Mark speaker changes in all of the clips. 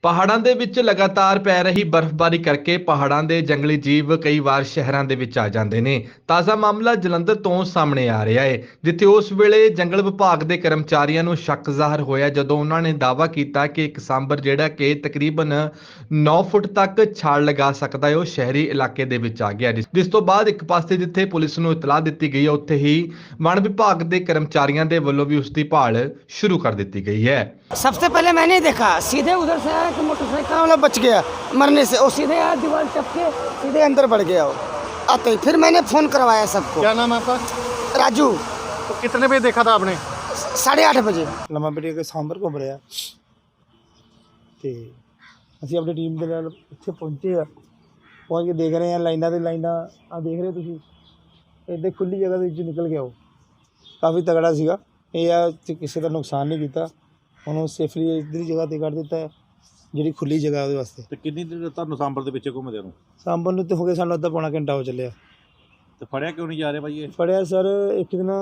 Speaker 1: ਪਹਾੜਾਂ ਦੇ ਵਿੱਚ ਲਗਾਤਾਰ ਪੈ ਰਹੀ ਬਰਫ਼ਬਾਰੀ ਕਰਕੇ ਪਹਾੜਾਂ ਦੇ ਜੰਗਲੀ ਜੀਵ ਕਈ ਵਾਰ ਸ਼ਹਿਰਾਂ ਦੇ ਵਿੱਚ ਆ ਜਾਂਦੇ ਨੇ। ਤਾਜ਼ਾ ਮਾਮਲਾ ਜਲੰਧਰ ਤੋਂ ਸਾਹਮਣੇ ਆ ਰਿਹਾ ਹੈ, ਜਿੱਥੇ ਉਸ ਵੇਲੇ ਜੰਗਲ ਵਿਭਾਗ ਦੇ ਕਰਮਚਾਰੀਆਂ ਨੂੰ ਸ਼ੱਕ ਜ਼ਾਹਰ ਹੋਇਆ ਜਦੋਂ ਉਹਨਾਂ ਨੇ ਦਾਅਵਾ ਕੀਤਾ ਕਿ ਇੱਕ ਸਾਂਭਰ ਜਿਹੜਾ ਕਿ ਤਕਰੀਬਨ 9 ਫੁੱਟ ਤੱਕ ਛਾਲ ਲਗਾ ਸਕਦਾ ਹੈ, ਉਹ ਸ਼ਹਿਰੀ ਇਲਾਕੇ ਦੇ ਵਿੱਚ ਆ ਗਿਆ। ਜਿਸ ਤੋਂ ਬਾਅਦ ਇੱਕ ਪਾਸੇ ਜਿੱਥੇ ਪੁਲਿਸ ਨੂੰ ਇਤਲਾਹ ਦਿੱਤੀ ਗਈ ਹੈ, ਉੱਥੇ ਹੀ ਵਣ ਵਿਭਾਗ ਦੇ ਕਰਮਚਾਰੀਆਂ ਦੇ ਵੱਲੋਂ ਵੀ ਉਸ ਦੀ ਭਾਲ शुरू कर दी गई है।
Speaker 2: सबसे पहले मैंने देखा सीधे उधर से आया कि मोटरसाइकिल वाला बच गया मरने से, और सीधे आया दीवार टपके सीधे अंदर बढ़ गया वो आते ही। फिर मैंने फ़ोन करवाया सबको।
Speaker 3: क्या नाम है आपका?
Speaker 2: राजू।
Speaker 3: तो कितने बजे देखा था आपने?
Speaker 2: 8:30 बजे।
Speaker 4: ਲੰਮਾ ਪੇਟੀ ਕੇ ਸਾਂਭਰ ਘੁੰਮ ਰਿਹਾ ਤੇ ਅਸੀਂ ਆਪਣੀ ਟੀਮ ਦੇ ਨਾਲ ਇੱਥੇ ਪਹੁੰਚੇ ਆ। ਪਹੁੰਚ ਕੇ ਦੇਖ ਰਹੇ ਆ ਲਾਈਨਾਂ ਦੇ ਲਾਈਨਾਂ ਆ ਦੇਖ ਰਹੇ ਤੁਸੀਂ, ਇੱਥੇ ਖੁੱਲੀ ਜਗ੍ਹਾ ਦੇ ਵਿੱਚ ਨਿਕਲ ਗਿਆ। ਉਹ ਕਾਫੀ ਤਗੜਾ ਸੀਗਾ। ਇਹ ਆ ਤੇ ਕਿਸੇ ਦਾ ਨੁਕਸਾਨ ਨਹੀਂ ਕੀਤਾ, ਉਹਨੂੰ ਸੇਫਲੀ ਇੱਧਰ ਜਗ੍ਹਾ 'ਤੇ ਕੱਢ ਦਿੱਤਾ ਜਿਹੜੀ ਖੁੱਲੀ ਜਗ੍ਹਾ ਉਹਦੇ ਵਾਸਤੇ।
Speaker 3: ਤੇ ਕਿੰਨੀ ਦੇਰ ਤੁਹਾਨੂੰ ਸਾਂਬਰ ਦੇ ਪਿੱਛੇ ਘੁੰਮਦੇ ਨੂੰ?
Speaker 4: ਸਾਂਭਰ ਨੂੰ ਤੇ ਹੋ ਗਏ ਸਾਨੂੰ ਅੱਧਾ ਪੌਣਾ ਘੰਟਾ ਹੋ ਚੱਲਿਆ।
Speaker 3: ਤੇ ਫੜਿਆ ਕਿਉਂ ਨਹੀਂ ਜਾ ਰਿਹਾ ਭਾਈ ਇਹ?
Speaker 4: ਫੜਿਆ ਸਰ, ਇੱਕ ਦਿਨ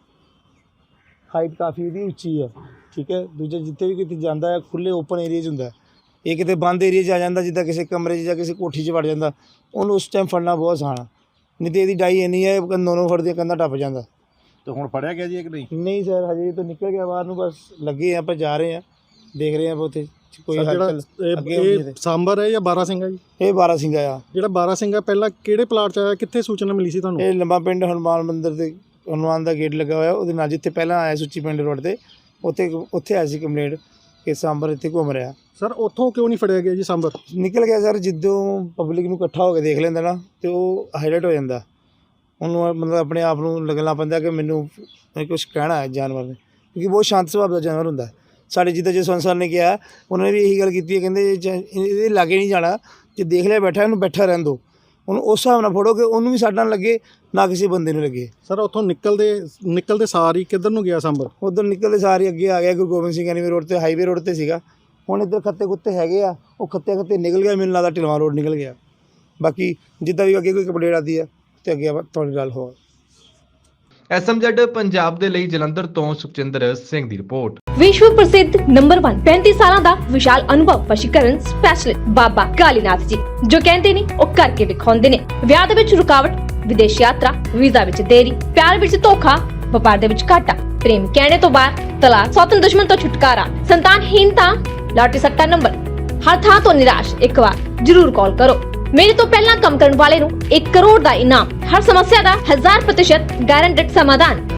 Speaker 4: ਹਾਈਟ ਕਾਫੀ ਇਹਦੀ ਉੱਚੀ ਹੈ, ਠੀਕ ਹੈ। ਦੂਜਾ ਜਿੱਥੇ ਵੀ ਕਿਤੇ ਜਾਂਦਾ ਹੈ ਖੁੱਲ੍ਹੇ ਓਪਨ ਏਰੀਆ 'ਚ ਹੁੰਦਾ। ਇਹ ਕਿਤੇ ਬੰਦ ਏਰੀਆ 'ਚ ਆ ਜਾਂਦਾ, ਜਿੱਦਾਂ ਕਿਸੇ ਕਮਰੇ 'ਚ ਜਾਂ ਕਿਸੇ ਕੋਠੀ 'ਚ ਵੜ ਜਾਂਦਾ, ਉਹਨੂੰ ਉਸ ਟਾਈਮ ਫੜਨਾ ਬਹੁਤ ਆਸਾਨ ਆ। ਨਹੀਂ ਤਾਂ ਇਹਦੀ ਡਾਈ ਇੰਨੀ ਹੈ ਦੋਨੋਂ ਫੜਦੀਆਂ ਕੰਧਾਂ ਟੱਪ ਜਾਂਦਾ।
Speaker 3: ਤੇ ਹੁਣ ਫੜਿਆ ਗਿਆ ਜੀ ਕਿ ਨਹੀਂ?
Speaker 4: ਨਹੀਂ ਸਰ, ਹਜੇ ਤਾਂ ਨਿਕਲ ਗਿਆ ਬਾਹਰ ਨੂੰ, ਬਸ ਲੱਗੇ ਆਪਾਂ ਜਾ ਰਹੇ ਹਾਂ, ਦੇਖ ਰਹੇ ਹਾਂ ਉੱਥੇ ਕੋਈ ਹਲਚਲ ਅੱਗੇ ਹੁੰਦੀ ਹੈ।
Speaker 3: ਸਾਂਬਰ ਹੈ ਜਾਂ ਬਾਰਾਸਿੰਗਾ ਜੀ?
Speaker 4: ਇਹ ਬਾਰਾਸਿੰਗਾ ਆ।
Speaker 3: ਜਿਹੜਾ ਬਾਰਾਸਿੰਗਾ ਪਹਿਲਾਂ ਕਿਹੜੇ ਪਲਾਟ 'ਚ ਆਇਆ, ਕਿੱਥੇ ਸੂਚਨਾ ਮਿਲੀ ਸੀ ਤੁਹਾਨੂੰ?
Speaker 4: ਇਹ ਲੰਬਾ ਪਿੰਡ ਹਨੂੰਮਾਨ ਮੰਦਿਰ ਤੇ ਹਨੂੰਮਾਨ ਦਾ ਗੇਟ ਲੱਗਾ ਹੋਇਆ, ਉਹਦੇ ਨਾਲ ਜਿੱਥੇ ਪਹਿਲਾਂ ਆਇਆ ਸੁੱਚੀ ਪਿੰਡ ਰੋਡ 'ਤੇ, ਉੱਥੇ ਆਈ ਸੀ ਕੰਪਲੇਂਟ ਕਿ ਸਾਂਬਰ ਇੱਥੇ ਘੁੰਮ ਰਿਹਾ।
Speaker 3: ਸਰ ਉੱਥੋਂ ਕਿਉਂ ਨਹੀਂ ਫੜਿਆ ਗਿਆ ਜੀ ਸਾਂਬਰ?
Speaker 4: ਨਿਕਲ ਗਿਆ ਸਰ, ਜਿੱਦੋਂ ਪਬਲਿਕ ਨੂੰ ਇਕੱਠਾ ਹੋ ਕੇ ਦੇਖ ਲੈਂਦਾ ਨਾ ਤੇ ਉਹ ਹਾਈਲਾਈਟ ਹੋ ਜਾਂਦਾ। ਉਹਨੂੰ ਮਤਲਬ ਆਪਣੇ ਆਪ ਨੂੰ ਲੱਗਣਾ ਪੈਂਦਾ ਕਿ ਮੈਨੂੰ ਕੁਛ ਕਹਿਣਾ ਹੈ ਜਾਨਵਰ ਨੇ, ਕਿਉਂਕਿ ਬਹੁਤ ਸ਼ਾਂਤ ਸੁਭਾਅ ਦਾ ਜਾਨਵਰ ਹੁੰਦਾ। ਸਾਡੇ ਜਿੱਦਾਂ ਜੇ ਸੰਸਰ ਨੇ ਕਿਹਾ, ਉਹਨਾਂ ਨੇ ਵੀ ਇਹੀ ਗੱਲ ਕੀਤੀ ਹੈ, ਕਹਿੰਦੇ ਇਹਦੇ ਲਾਗੇ ਨਹੀਂ ਜਾਣਾ, ਜੇ ਦੇਖ ਲਿਆ ਬੈਠਾ ਇਹਨੂੰ ਬੈਠਾ ਰਹਿਣ ਦਿਓ। ਉਹਨੂੰ ਉਸ ਹਿਸਾਬ ਨਾਲ ਫੜੋ ਕਿ ਉਹਨੂੰ ਵੀ ਸਾਡਾ ਲੱਗੇ ਨਾ ਕਿਸੇ ਬੰਦੇ ਨੂੰ ਲੱਗੇ।
Speaker 3: ਸਰ ਉੱਥੋਂ ਨਿਕਲਦੇ ਸਾਰ ਹੀ ਕਿੱਧਰ ਨੂੰ ਗਿਆ ਸਾਂਬਰ?
Speaker 4: ਉੱਧਰ ਨਿਕਲਦੇ ਸਾਰੇ ਅੱਗੇ ਆ ਗਿਆ, ਗੁਰੂ ਗੋਬਿੰਦ ਸਿੰਘ ਐਨੀਵੇ ਰੋਡ 'ਤੇ, ਹਾਈਵੇ ਰੋਡ 'ਤੇ ਸੀਗਾ। ਹੁਣ ਇੱਧਰ ਖੱਤੇ ਕੁੱਤੇ ਹੈਗੇ ਆ, ਉਹ ਖੱਤੇ ਨਿਕਲ ਗਿਆ, ਮੈਨੂੰ ਲੱਗਦਾ ਢਿਲਵਾਂ ਰੋਡ ਨਿਕਲ ਗਿਆ। ਬਾਕੀ ਜਿੱਦਾਂ ਵੀ ਅੱਗੇ ਕੋਈ ਕੰਪਲੇਂਟ ਆਉਂਦੀ ਆ ਤੇ ਅੱਗੇ ਤੁਹਾਡੀ ਗੱਲ ਹੋ।
Speaker 1: SMZ ਪੰਜਾਬ ਦੇ ਲਈ ਜਲੰਧਰ ਤੋਂ ਸੁਖਚਿੰਦਰ ਸਿੰਘ ਦੀ ਰਿਪੋर्ट।
Speaker 5: विश्व प्रसिद्ध नंबर 1 35 ਸਾਲਾਂ ਦਾ ਵਿਸ਼ਾਲ ਅਨੁਭਵ ਵਸ਼ੀਕਰਨ ਸਪੈਸ਼ਲਿਸਟ ਬਾਬਾ ਕਾਲੀਨਾਥ ਜੀ, ਜੋ ਕਹਿੰਦੇ ਨੇ ਉਹ ਕਰਕੇ ਵਿਖਾਉਂਦੇ ਨੇ। ਵਿਆਹ ਦੇ ਵਿੱਚ ਰੁਕਾਵਟ, ਵਿਦੇਸ਼ ਯਾਤਰਾ, ਵੀਜ਼ਾ ਵਿੱਚ ਦੇਰੀ, ਪਿਆਰ ਵਿੱਚ ਧੋਖਾ, ਵਪਾਰ ਦੇ ਵਿੱਚ ਘਾਟਾ, ਪ੍ਰੇਮ ਕਹਿਣੇ ਤੋਂ ਬਾਅਦ ਤਲਾਕ, ਸੌਤਨ ਦੁਸ਼ਮਣ ਤੋਂ ਛੁਟਕਾਰਾ, ਸੰਤਾਨਹੀਨਤਾ, ਲਾਟਰੀ ਸੱਟਾ ਨੰਬਰ, ਹਰ ਥਾਂ ਤੋਂ ਨਿਰਾਸ਼। ਇੱਕ ਵਾਰ ਜ਼ਰੂਰ ਕਾਲ ਕਰੋ। मेरे तो पहला कम करने वाले 1 करोड़ का इनाम, हर समस्या का 1000% गारंटेड समाधान।